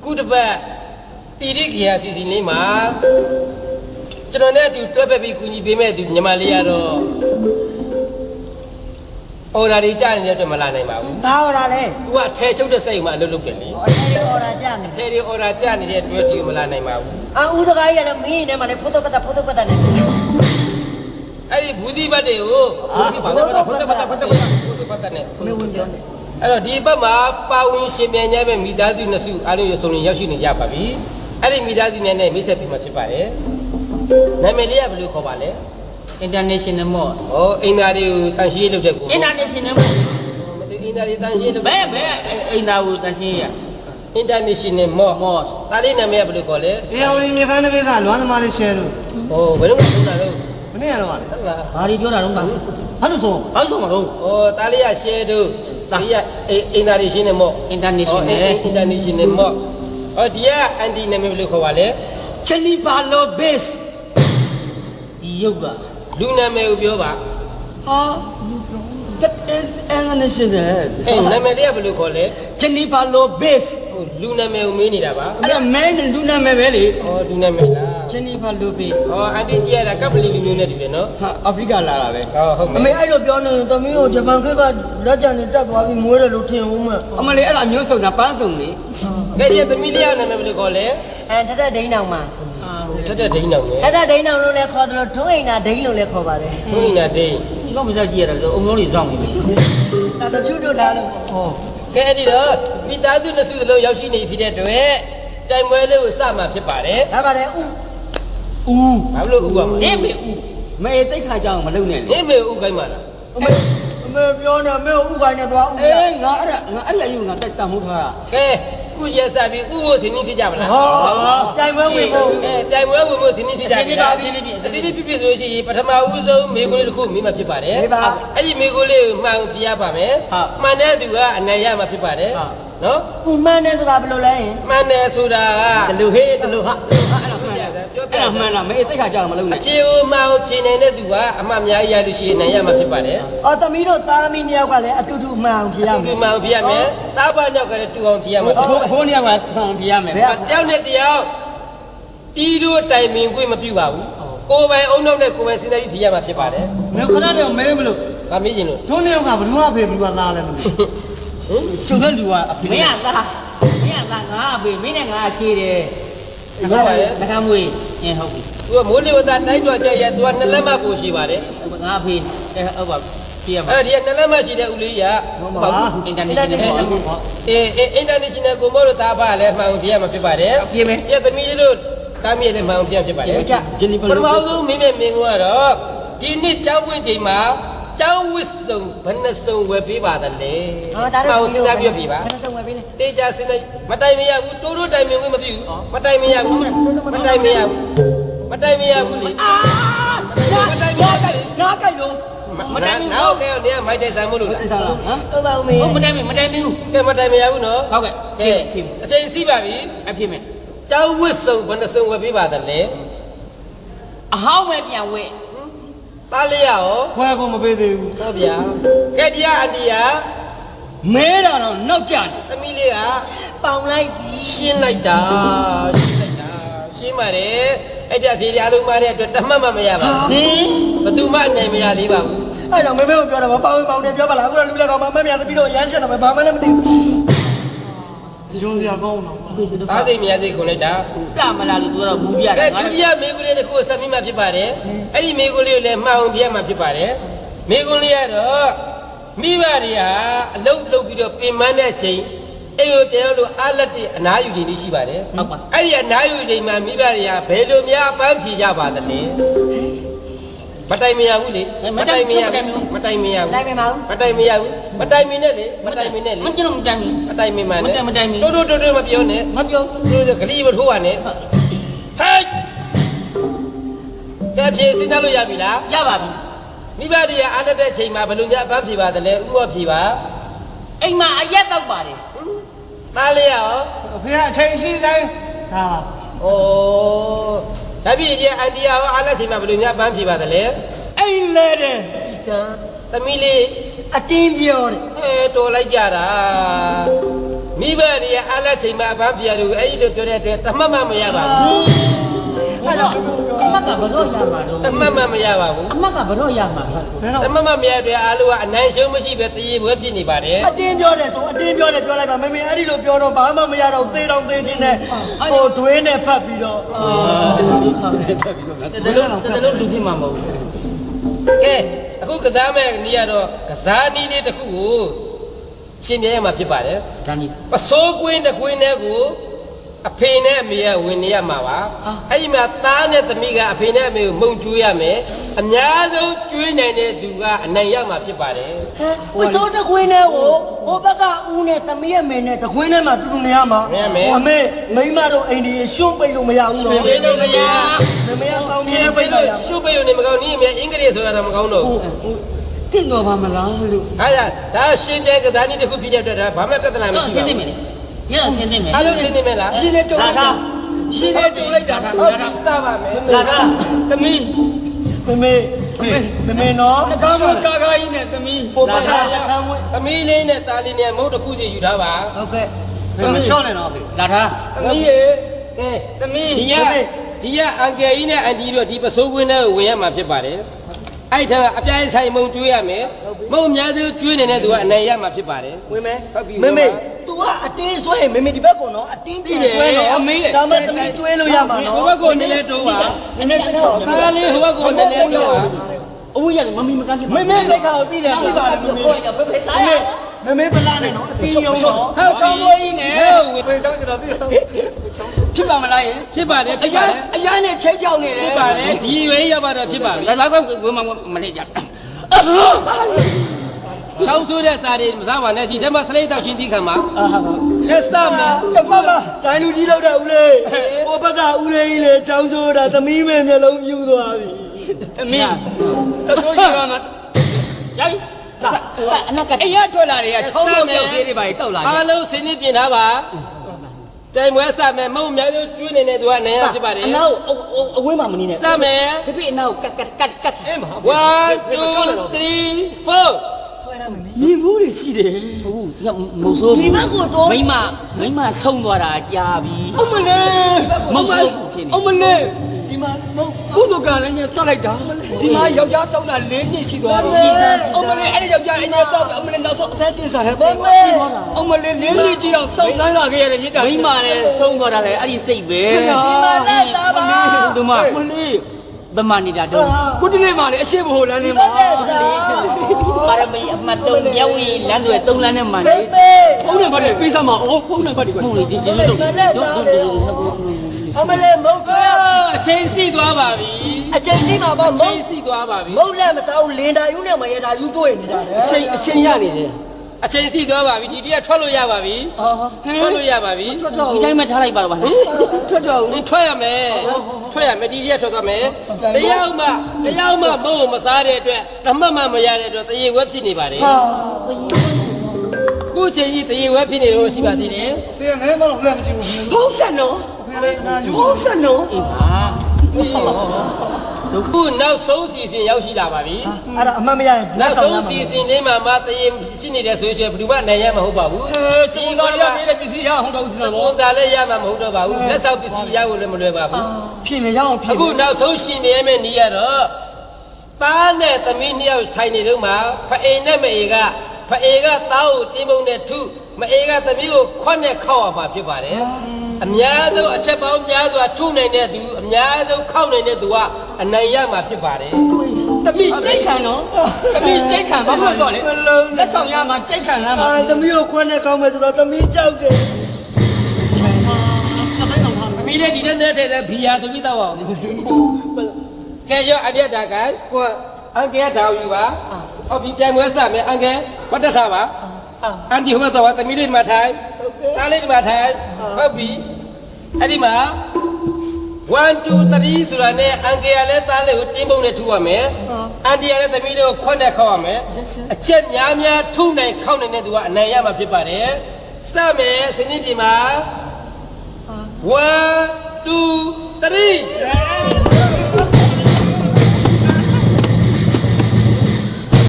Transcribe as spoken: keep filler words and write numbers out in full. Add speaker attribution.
Speaker 1: ကုတပတ်တီရိခရာစီစီလေးမှာကျွန်တော်နဲ့အတူတွဲဖက်ပြီးကူညီပေးမဲ့သူညီမလေးကတော့အော်ဒါတွေကြားနေတဲ့အတွက်မလာနိုင်ပါဘူး
Speaker 2: ဘာအော်ဒါလဲ
Speaker 1: तू ကထဲချုပ်တဲ့စိတ်မှာအလုပ်လုပ်တယ်လေ
Speaker 2: အော်ထဲအော်ဒါကြားနေ
Speaker 1: ထဲတွေအော်ဒါကြားနေတဲ့အတွက်ဒီမလာနိုင်ပါဘူး
Speaker 2: အာဦးစကားကြီးကလည်းမင်းနဲ့မှလည်းဖုတ်တော့ပတ်တာဖုတ်တော့ပတ်တာနဲ့
Speaker 1: အဲ့ဒီဘူးဒီဘတ်တွေကိုဘူးဒီဘာလဲဖုတ်တော့ပတ်တာဖုတ်တော့ပတ်တာဖုတ်တော့ပတ်တာနဲ့
Speaker 2: မင်းဝင်ပြောနေ
Speaker 1: အဲ့တော့ဒီဘက်မှာပါဝင်ရှင်ပြန်ရမယ့်မိသားစုနှစ်စုအားလုံးရဆုံးရင်ရောက်ရှိနေကြပါပြီအဲ့ဒီမိသားစုနဲ့မိတ်ဆက်ပြီးမှဖြစ်ပါတယ်နာမည်လေးကဘယ်လိုခေါ်ပါလဲ
Speaker 2: International Mall
Speaker 1: ဟောအင်တာတွေကိုတန်ရှင်းလုပ်တဲ့ကို
Speaker 2: International Mall
Speaker 1: မတူအင်တာတွေတန်ရှင်းလုပ်
Speaker 2: ဘယ်ဘယ်အင်တာကိုတန်ရှင်းရ
Speaker 1: International Mall ဒါလေးနာမည်ကဘယ်လိုခေါ်လဲ
Speaker 3: အေးဟိုဒီမြေခန်းတစ်ဘက်ကလွမ်းသမားလေး share လို့
Speaker 1: ဟောဘယ်လိုလုပ်တာလဲ
Speaker 3: မနေ့ကတော့လေ
Speaker 1: ဟုတ်လား
Speaker 2: ဘာတွေပြောတာတော့ကဘာ
Speaker 3: လို့ဆို
Speaker 2: ဘာလို့ဆိုမှာတော့
Speaker 1: ဟောဒါလေးက share တို့ဒါလေးက International Mall
Speaker 2: International
Speaker 1: International Mall ဟောဒီက anti နာမည်ဘယ်လိုခေါ်ပါလဲ
Speaker 2: Jennifer Lopez ဒီရုပ်က
Speaker 1: လူနာမည်ကိုပြောပါ
Speaker 2: ဟာအင်္ဂလိပ်ရှင်တဲ့
Speaker 1: အဲနာမည်လေးကဘယ်လိုခေါ်လဲ
Speaker 2: Jennifer Lopez
Speaker 1: ဟိုလူနာမည်ကိုမေးနေတာပါ
Speaker 2: အဲ့ဒါမဲနဲ့လူနာမည်ပဲလေ
Speaker 1: ဟောလူနာမည်လား
Speaker 2: Jennifer Lopez
Speaker 1: ဟောအန်တီကြီးရတာကပလီလူမျိုးနဲ့တူတယ်နော်
Speaker 2: ဟာအာဖရိကလာတာပဲ
Speaker 1: ဟောဟုတ်မယ်
Speaker 2: အမေအဲ့လိုပြောနေရင်သမီးကိုဂျပန်ခေတ်ကလက်ကျန်နေတက်သွားပြီးမွေးတယ်လို့ထင်ဦးမှာအမလေးအဲ့ဒါမျိုးစုံတာပန်းစုံလေ
Speaker 1: ကဲဒီသမီးလေးကနာမည်ဘယ်လိုခေါ်လဲ
Speaker 2: အဲထက်တဲ့ဒိန်းအောင်မှာ
Speaker 1: ထက်တဲ့ဒိန်းအောင်လေ
Speaker 2: ထက်တဲ့ဒိန်းအောင်လို့လည်းခေါ်တယ်လို့ထုံးအိမ်နာဒိန်းလို့လည်းခေါ်ပါတယ်
Speaker 1: ထုံးအိမ်နာဒိန်း
Speaker 2: ဒီကမစားကြည့်ရတာအုံလုံးတွေစောင့်နေတယ်ဒါတပြူတို့ထားလို့ဟော
Speaker 1: ကဲအဲ့ဒီတော့မိသားစုနှစ်စုစလုံးရောက်ရှိနေဖြစ်တဲ့အတွက်တိုင်ပွဲလေးကိုစမှာဖြစ်ပါတယ်
Speaker 2: ဒါပါတယ်ဥ
Speaker 1: ဥဘာလို့ဥပါမလဲ
Speaker 2: နေမေဥမေတိတ်ခါကြောင်မလုံနဲ့လေ
Speaker 1: နေမေဥခိုင်းပါလား
Speaker 2: အမေအမေပြောနေမေဥခိုင်းနေသွားဥအေးငါအဲ့ဒါငါအဲ့လက်ယူငါတက်တမှုထားတာ
Speaker 1: ကဲကုကျဆက်ပြီးဥကိုစင်းနေဖြစ်ကြမလား
Speaker 2: ဟောတိုင်ပွဲဝင်ဖို့
Speaker 1: အဲတိုင်ပွဲဝင်ဖို့စင်းနေဖြစ်ကြပြီလားစင်းနေဖြစ်စင်းနေဖြစ်ဖြစ်ဆိုရှင်ပထမဦးဆုံးမိကိုလေးတစ်ခုမိမှဖြစ်ပါတယ်အဲ့ဒီမိကိုလေးကိုမှန်ပြရပါမယ်မှန်တဲ့သူကအနိုင်ရမှာဖြစ်ပါတယ်နော်
Speaker 2: ဥမှန်တယ်ဆိုတာဘယ်လိုလဲ
Speaker 1: မှန်တယ်ဆိုတာက
Speaker 2: တလူဟေးတလူဟာပြောပြမှန်လားမေတိတ်ခါကြောင်မလုံနဲ့
Speaker 1: အဖြေကိုမှန်အောင်ဖြေနိုင်တဲ့သူကအမှတ်အများကြီးရလို့ရှိရင်နိုင်ရမှာဖြစ်ပါတယ်
Speaker 2: အော်သမီးတို့သားသမီးမြောက်ကလည်းအတူတူမှန်အောင်ဖြေရမယ်
Speaker 1: အတူတူမှန်အောင်ဖြေရမယ်သားပါညောက်ကလည်းတူအောင်ဖြေရမှာ
Speaker 2: အဖိုးအဖိုးနှစ်ယောက်ကမှန်အောင်ဖြေရမယ်
Speaker 1: တယောက်နဲ့တယောက်ပြီးတို့တိုင်ပင်ခွင့်မပြုပါဘူးကိုယ်ပိုင်အုံနောက်နဲ့ကိုယ်ပိုင်စဉ်းစားပြီးဖြေရမှာဖြစ်ပါတယ်
Speaker 3: မင်းခဏတည်းမဲမလို့
Speaker 1: ဗာမေးရင်လို့
Speaker 3: တို့နှစ်ယောက်ကဘယ်သူမှဖေဘယ်သူကသားလဲမလို့
Speaker 2: ကျုံတဲ့လူကအဖေမင်းကသားမင်းကသားငါအဖေမင်းနဲ့ငါရှိတယ်ဟုတ်ပါရဲ့ငါမွေးအင်းဟုတ်ပြီ
Speaker 1: သူကမိုးလေဝသတိုင်းတော်ကြရသူကနှစ်လက်မှပို့ရှိပါတယ်
Speaker 2: ငါအဖေအဲဟုတ်ပါပြရပါ
Speaker 1: အဲ့ဒီကနှစ်လက်မှရှိတဲ့ဦးလေးက
Speaker 2: ဘာအင်တာနက်နဲ့ပေါ့
Speaker 1: အေးအင်တာနက်ရှင်နယ်ကိုမို့လို့သားပါလဲမှန်အောင်ပြရမှာဖြစ်ပါတယ်
Speaker 2: ပြမယ်
Speaker 1: ပြသမီးလေးတို့တားမြေလည်းမှန်အောင်ပြဖြစ်ပါတယ်ပထမဆုံးမင်းနဲ့မင်းကတော့ဒီနှစ်ကျောင်းပွင့်ချိန်မှာကျောင်းဝစ်စုံဘယ်နှစုံဝယ်ပေးပါတယ်လေ
Speaker 2: ဟောဒါတော့
Speaker 1: စဉ်းစားပြပြပါ
Speaker 2: ဘယ်နှစုံဝယ်ပေးလဲ
Speaker 1: တေချာစဉ်းစားမတိုင်မရဘူးတိုးတိုးတိုင်မြင်ခွင့်မပြုဘူးမတိုင်မရဘူးမတိုင်မရဘူးမတိုင်မရဘူးလေ
Speaker 2: အာမတိုင်မရဘူးငါကြိုက်လို့
Speaker 1: မတိုင်ဘူးဟုတ်ကဲ့နေကမိုက်တိုင်ဆိုင်မို့လို့လား
Speaker 2: တိုင်ဆိုင်လားဟမ်ဟုတ်ပါဦးမေဟုတ်မတိုင်မတိုင်ဘူး
Speaker 1: ကဲမတိုင်မရဘူးနော်
Speaker 2: ဟုတ်ကဲ့
Speaker 1: ကဲအချိန်စီးပါပြီ
Speaker 2: အဖြစ်မယ်
Speaker 1: ကျောင်းဝစ်စုံဘယ်နှစုံဝယ်ပေးပါတယ်လေ
Speaker 2: အဟောင်းပဲပြန်ဝဲ
Speaker 1: သားလေးရော
Speaker 3: ဘွယ်ကိုမပေးသေးဘူး
Speaker 1: ဟုတ်ဗျာကဲဒီကအတီးက
Speaker 2: မဲတာတော့နောက်ကြတယ်
Speaker 1: သမီးလေးက
Speaker 2: ပေါင်လိုက်ပြီး
Speaker 1: ရှင်းလိုက်တာရှင်းလိုက်တာရှင်းပါတယ်အဲ့ဒါဖြေရလုံးမတဲ့အတွက်တမတ်မှမရပါဘူးဟင်ဘသူမှနိုင်မရသေးပါဘူး
Speaker 2: အဲ့တော့မေမေကိုပြောတာပါပေါင်ပေါင်တယ်ပြောပါလားအခုကလူလက်ကောင်မမမြတ်တပီတော့ရမ်းရှက်တော့ဘာမှလည်းမသိဘူး
Speaker 3: ရုံးစရာကောင်းတော့
Speaker 1: သားစိတ်မြတ်စိတ်ခွန်လိုက်တာ
Speaker 2: ကမလာလို့သူကတော့မူပြ
Speaker 1: တယ်ကဲဒုတိယမေကွန်းလေးတစ်ခုဆက်ပြီးမှဖြစ်ပါတယ်အဲ့ဒီမေကွန်းလေးကိုလည်းမှန်အောင်ပြရမှာဖြစ်ပါတယ်မေကွန်းလေးကတော့မိဘတွေဟာအလုတ်လုတ်ပြီးတော့ပြင်ပန်းတဲ့ချိန်အဲ့လိုတယောက်လိုအားလက်တဲ့အနားယူချိန်လေးရှိပါတယ်
Speaker 2: ဟုတ်ပါ
Speaker 1: အဲ့ဒီအနားယူချိန်မှာမိဘတွေကဘယ်လိုများပန်းဖြေကြပါသလဲမတိုင်မရဘူးလေ
Speaker 2: မတိုင်မရ
Speaker 1: ဘူးမတိုင်မရဘူး
Speaker 2: တိုင်မပါဘူး
Speaker 1: မတိုင်မရဘူးမတိုင်မနဲ့လေမတိုင်မနဲ့လေ
Speaker 2: မကျွန်တော်မတိုင်ဘူး
Speaker 1: မတိုင်မမှန်နဲ့
Speaker 2: မတိုင်မ
Speaker 1: တိုးတိုးတိုးတိုးမပြောနဲ့
Speaker 2: မပြော
Speaker 1: တိုးတိုးဂလိမထိုးပါနဲ့ဟဲ့ကဲဖြေစဉ်းစားလို့ရပြီလား
Speaker 2: ရပါပြီ
Speaker 1: မိဘတွေကအားလက်တဲ့အချိန်မှာဘယ်လိုများအပန်းဖြေပါသလဲဥပဖြေပါ
Speaker 2: အိမ်မှာအရက်တော့ပါတယ်
Speaker 1: သားလေးရော
Speaker 3: အဖေကအချိန်ရှိတိုင်းဒါပါ
Speaker 1: ဩဒါဖြစ်ရင်အန်တီယာရောအားလက်ချိန်မှာဘယ်လိုများအပန်းဖြေပါသလဲ
Speaker 2: အိမ်လဲတယ်စံ
Speaker 1: သမီးလေး
Speaker 2: အတင်းပြောတယ်
Speaker 1: အဲတော်လိုက်ကြတာမိဘတွေကအားလက်ချိန်မှာအပန်းပြရတယ်အဲ့ဒီလိုပြောတဲ့အတွက်တမတ်မှမရပါဘူး
Speaker 2: အဲ့တော့အမကဘလို့ရမှာတော့
Speaker 1: တမတ်မှမရပါဘူး
Speaker 2: အမကဘလို့ရမှာလဲ
Speaker 1: တမတ်မှမရတဲ့အားလုံးကအနိုင်ရှုံးမရှိပဲတရေပွဲဖြစ်နေပါတယ်
Speaker 4: အတင်းပြောတယ်ဆိုအတင်းပြောတယ်ပြောလိုက်ပါမမေအဲ့ဒီလိုပြောတော့ဘာမှမရတော့သေတော့သေခြင်းနဲ့ဟိုဒွေးနဲ့ဖတ်ပြီးတော့
Speaker 2: တလုံးတလုံးလူဖြစ်မှာမဟုတ်ဘူး
Speaker 1: ကဲအခုကစားမဲ့နေရတော့ကစားနည်းလေးတစ်ခုကိုရှင်းပြရမှာဖြစ်ပါတယ်
Speaker 2: ဇာနီ
Speaker 1: ပစိုးကွင်းတစ်ကွင်းနဲ့ကိုအဖေနဲ့အမေကဝင်နေရမှာပါအဲ့ဒီမှာသားနဲ့သမီးကအဖေနဲ့အမေကိုမုံကျွေးရမယ်အများဆုံးကျွေးနိုင်တဲ့သူကအနိုင်ရမှာဖြစ်ပါတယ်
Speaker 4: ဝစိုးတခွင်းနဲ့ကိုဟိုဘက်ကဦးနဲ့သမီးရဲ့မင်းနဲ့တခွင်းနဲ့မှတူတူနေရမှာအမေမိမတို့အိမ်ကြီးရှွန့်ပိတ်လို့မရဘူးနော်
Speaker 1: ရှင်းလို့မရ
Speaker 4: မမေကကောင်း
Speaker 1: ရှင်းပိတ်လို့ရှုပ်ပိတ်လို့နေမကောင်းနည်းအမေအင်္ဂလိပ်ဆိုတာတော့မကောင်းတော့ဘူး
Speaker 2: တင့်တော်ပါမလားလို့
Speaker 1: ဟာရဒါရှင်းတဲ့ကစားနည်းတစ်ခုဖြစ်တဲ့အတွက်ဒါဘာမှပြဿနာမရှိ
Speaker 2: ရှင်း
Speaker 1: ပါ
Speaker 2: သိ
Speaker 1: ဘူး
Speaker 2: မယ်လေညဆင်းသိမယ်
Speaker 1: အားလုံးရှင်းနေမယ်လား
Speaker 4: ရှင်းနေတုံးလိုက်တာရှင်းနေတုံးလိုက်တာ
Speaker 1: ဟုတ်ပြီစပါမယ်
Speaker 4: လာတာသမီးမမေမမေနော်ကားမကားကားကြီးနဲ့သမီးပိုပတ်တာရခံဝင်
Speaker 1: သမီးလေးနဲ့သားလေးနဲ့မုတ်တစ်ခုစီယူထားပါ
Speaker 4: ဟုတ်ကဲ့မလျှော့နဲ့နော်ဖေ
Speaker 2: လာတာ
Speaker 1: သမီးရေကဲ
Speaker 4: သမီး
Speaker 1: ဒီကဒီကအန်ကယ်ကြီးနဲ့အန်တီတို့ဒီပစိုးကွင်းထဲကိုဝင်ရမှာဖြစ်ပါတယ်အဲ့ဒါအပြိုင်ဆိုင်မုံကျွေးရမယ်မုံအများစုကျွေးနေတဲ့သူကအနိုင်ရမှာဖြစ်ပါတယ်
Speaker 4: ဝင်မယ်
Speaker 1: ဟုတ်ပြီ
Speaker 4: မမေ तू ကအတင်းဆွဲရင်မမေဒီဘက်ကောနော်အတင်းတင်းဆွဲနော်ဒါမှသမီးကျွေးလို့ရမှာနော်
Speaker 1: ဟိုဘက်ကိုနည်းနည်းတိုးပါ
Speaker 2: နည်းနည်းတော့
Speaker 1: သားလေးဟိုဘက်ကိုနည်းနည်းတိုးပါ
Speaker 2: အဝေးရမမီမကန်
Speaker 4: မမေလက်ခါကိုသိတယ်သိပါတယ်မမေ
Speaker 2: ကိုရဖေဖေစားရ
Speaker 4: မမေပလာနဲ့နော်အတင်းယုံနော်
Speaker 1: ဟုတ်ကောင်းဝေးနဲ့ဟုတ်
Speaker 3: ဖေကြောင်းကျွန်တော်သိတယ်
Speaker 4: ဖြစ်ပါမလားယင်
Speaker 1: ဖြစ်ပါတယ်
Speaker 4: အ
Speaker 1: ဖြစ်
Speaker 4: ရ
Speaker 1: ပါ
Speaker 4: န်
Speaker 1: တယ်
Speaker 4: အရန်နဲ့ချိတ်ချောက်နေတယ်
Speaker 1: ဖြစ်ပါတယ်ဒီရွေးရောက်ပါတော့ဖြစ်ပါပြီ
Speaker 2: လာလာကဝင်မမလေးကြ
Speaker 1: ချောင်းဆိုးတဲ့စာတွေမစားပါနဲ့ဒီထဲမှာစလိတ်တောက်ချင်းတီးခံပါ
Speaker 2: အာဟာ
Speaker 1: လက်စမယ်
Speaker 4: ကမ္ဘာမှာဒိုင်လူကြီးလောက်တဲ့ဦးလေးဟိုဘက်ကဦးလေးကြီးလေချောင်းဆိုတာသမီးမေမျက်လုံးပြူသွားပြီသမီးတဆိုးရှိပါမှာ
Speaker 2: ရိုက်လာအနက်က
Speaker 4: အေးရထွက်လာတွေကချောင်းလို့မြောက်သေးတွေပါတောက်လာ
Speaker 1: အားလုံးစင်းနေပြင်ထားပါတိုင်ပွဲစမယ်မုံအများစုကျွေးနေတဲ့သူကနေရဖြစ်ပါတယ်
Speaker 2: အနောက်အဝေးမှာမနေနဲ့
Speaker 1: စမယ်
Speaker 2: ဖေဖေအနောက်ကတ်ကတ်ကတ်ကတ်
Speaker 1: one two three four
Speaker 4: ဆွဲရမယ်
Speaker 2: မြင်ဘူးတွေရှိတယ်ဟုတ်ညမုံဆိုးမိမမိမဆုံးသွားတာကြာပြီ
Speaker 4: အမလေး
Speaker 2: မုံဆိုးဖြစ်နေ
Speaker 4: အမလေးဒီမှာဘုသူကလည်းနဲ့ဆက်လိုက်တာဒီမှာယောက်ျားဆောင်းတာ၄နှစ်ရှိသွားပြီအမလေးအဲ့ဒီယောက်ျားအင်းရဲ့တော့အမလေးနောက်ဆုံးအသက်တင်စားတယ်ဘာလဲအမလေး၄နှစ်ကြီးတော့စောင်းနိုင်လာခဲ့ရတယ်မြစ်တာ
Speaker 2: မိမလည်းဆုံးသွားတာလေအဲ့ဒီစိတ်ပဲ
Speaker 4: ဒီမှာလည်းသားပါ
Speaker 2: ဒီမှာမလေးဗမာနေတာတော့
Speaker 4: ကုတလေးမှာလေအရှိမဟုတ်လမ်းနေမှာ
Speaker 2: ပါရမီအမတ်တုံးမြောက်ဝီလမ်းတွေသုံးလမ်းနဲ့မှန်နေ
Speaker 4: ဖုန်းနံပါတ်တွေပေးစမ်းပါအော်ဖုန်းနံပါတ်တွေက
Speaker 2: မဟုတ်လေဒီဒီလိုတော့တို့တို့တို့
Speaker 4: အမလေးမဟုတ်ဘူး
Speaker 1: အချိန်စီသွားပါပြီ
Speaker 4: အချိန်ကြီးမှာပေါ့
Speaker 1: အ
Speaker 4: မ
Speaker 1: ချိန်
Speaker 4: ဟုတ်
Speaker 1: စီသွားပါပြီ
Speaker 4: မဟုတ်လည်းမစားဘူးလင်တာယူနဲ့မရတာယူတွေ့နေတာလေ
Speaker 2: အချိန်အချိန်ရနေတယ်
Speaker 1: အချိန်စီသွားပါပြီဒီတည်းကထွက်လို့ရပါပြီ
Speaker 2: အော်
Speaker 1: ထွက်လို့ရပါပြီ
Speaker 2: ဒီတိုင်းမှထားလိုက်ပါပါလား
Speaker 4: ထွက်တော့
Speaker 1: နင်ထွက်ရမယ်ထွက်ရမယ်ဒီတည်းကထွက်သွားမယ်တယောက်မှတယောက်မှမဟုတ်မစားတဲ့အတွက်တမတ်မှမရတဲ့အတွက်တရေဝက်ဖြစ်နေပါတယ်
Speaker 4: ဟာ
Speaker 1: ခုချိန်ကြီးတရေဝက်ဖြစ်နေလို့ရှိပါသေးတယ်
Speaker 3: ဖေမဲမလို့လက်မကြည့်ဘူး
Speaker 4: ဖုန်းဆက်နော်
Speaker 3: ဖေလည်းနာယူ
Speaker 4: ဖုန်းဆက်နော်
Speaker 2: အေးပါ
Speaker 1: ခုနောက်ဆုံးစီစဉ်ရောက်ရှိလာပါပြီ
Speaker 4: အဲ့ဒါအမှန်မရရင်
Speaker 1: နောက်ဆုံးစီစဉ်လေးမှာမတရေဖြစ်နေတဲ့ဆိုရင်ဘယ်သူမှနိုင်ရမှာမဟုတ်ပါဘူး
Speaker 4: စီတော်ရပြည့်တဲ့ပစ္စည်းရဟုတ်တော့ဒီ
Speaker 1: စ
Speaker 4: လို
Speaker 1: ပွန်ဆာလည်းရမှာမဟုတ်တော့ပါဘူးလက်ဆောက်ပစ္စည်းရဖို့လည်းမလွယ်ပါဘူး
Speaker 4: ဖြစ်နေရအောင်ဖြစ်
Speaker 1: အခုနောက်ဆုံးရှင်နေရမယ့်နေရတော့သားနဲ့သမီးနှစ်ယောက်ထိုင်နေတော့မှဖအိမ်နဲ့မအေကဖအေကသားကိုတင်းပုံနဲ့ထုမအေကသမီးကိုခွက်နဲ့ခောက်ရမှာဖြစ်ပါတယ်အများဆုံးအချက်ပေါင်းများစွာထုနိုင်တဲ့သူအများဆုံးခောက်နိုင်တဲ့သူကအနိုင်ရမှာဖြစ်ပါတယ်
Speaker 4: တမိကြိတ်ခံနော်တမိကြိတ်ခံဘာလို့ဆိုလဲလက်ဆောင်ရမှာကြိတ်ခံရမှာအာတမိကိုခွန်းနဲ့ကောင်းမယ်ဆိုတော့တမိကြောက်တယ်
Speaker 1: သမီးလေးဒီနေ့နဲ့တည်းကဘီယာဆိုပြီးတော့အောင်ကဲရောအပြတ်တာက
Speaker 4: ခွက်
Speaker 1: အန်ကဲတောင်ယူပါဟုတ်ပြီပြန်မွေးစမယ်အန်ကဲမတ်တက်ထားပါအန်ဒီဟိုမှာတော့သမီးလေးမှာထိုင်သားလေးမှာထိုင်ဟုတ်ပြီအဲ့ဒီမှာone two three ဆိုတာနဲ့အန်ကဲရလဲသားလေးကိုတင်းပုံနဲ့ထူရမယ်အန်ဒီရလဲသမီးလေးကိုခွက်နဲ့ခောက်ရမယ်အချက်များများထုနိုင်ခောက်နိုင်တဲ့သူကအနိုင်ရမှာဖြစ်ပါတယ်စမယ်စနစ်ပြင်မှာone two three